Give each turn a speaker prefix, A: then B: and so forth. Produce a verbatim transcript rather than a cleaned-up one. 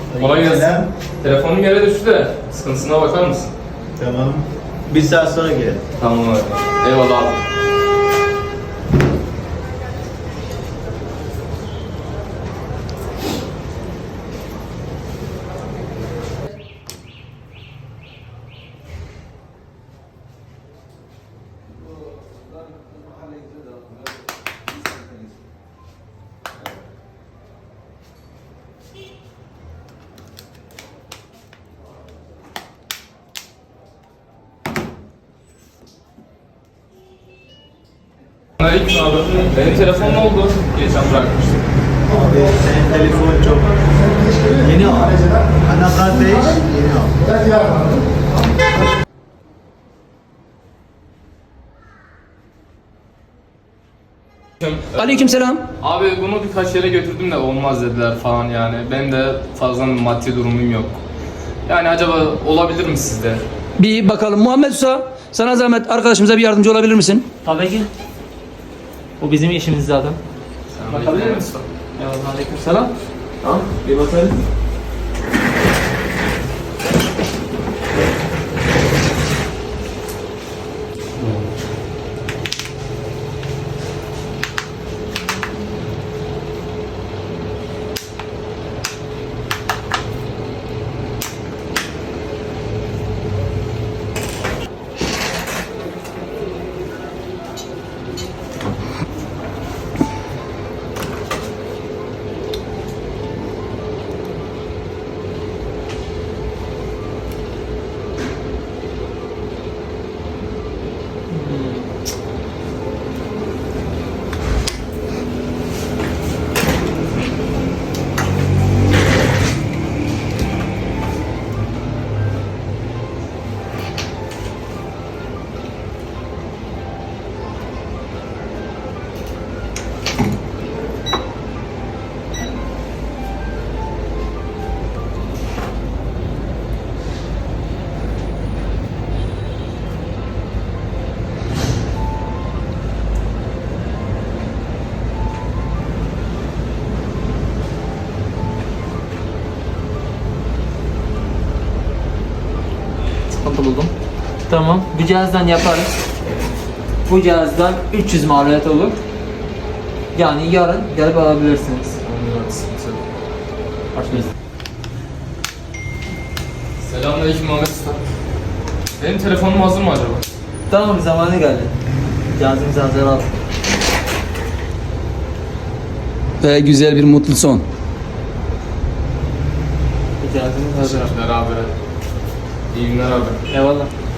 A: Kolay gelsin.
B: Selam.
A: Telefonum yere düştü de sıkıntısına bakar mısın?
B: Tamam. Bir saat sonra gel.
A: Tamam abi. Eyvallah abi. Aleyküm abi. Benim telefon ne oldu? Geçen bırakmıştım.
B: Abi senin telefon çok yeni al. Anahtar değiş, yeni al.
C: Aleykümselam.
A: Abi bunu birkaç yere götürdüm de olmaz dediler falan yani. Ben de fazla bir maddi durumum yok. Yani acaba olabilir mi sizde?
C: Bir bakalım. Muhammed Usta, sana zahmet arkadaşımıza bir yardımcı olabilir misin?
D: Tabii ki. Bu bizim işimiz zaten.
A: Bakabilir misin?
D: Ya aleykümselam. Tamam, bir bakalım. Sıkıntı buldum. Tamam, bu cihazdan yaparız. Bu cihazdan üç yüz maliyet olur. Yani yarın gelip alabilirsiniz. Başlayız.
A: Selamünaleyküm Muhammed Usta. Benim telefonum hazır mı acaba?
D: Tamam, zamanı geldi. Cihazımızı hazır al.
C: Ve güzel bir mutlu son.
D: Cihazımız hazır.
A: Teşekkürler abi. İyi günler abi.
D: Eyvallah.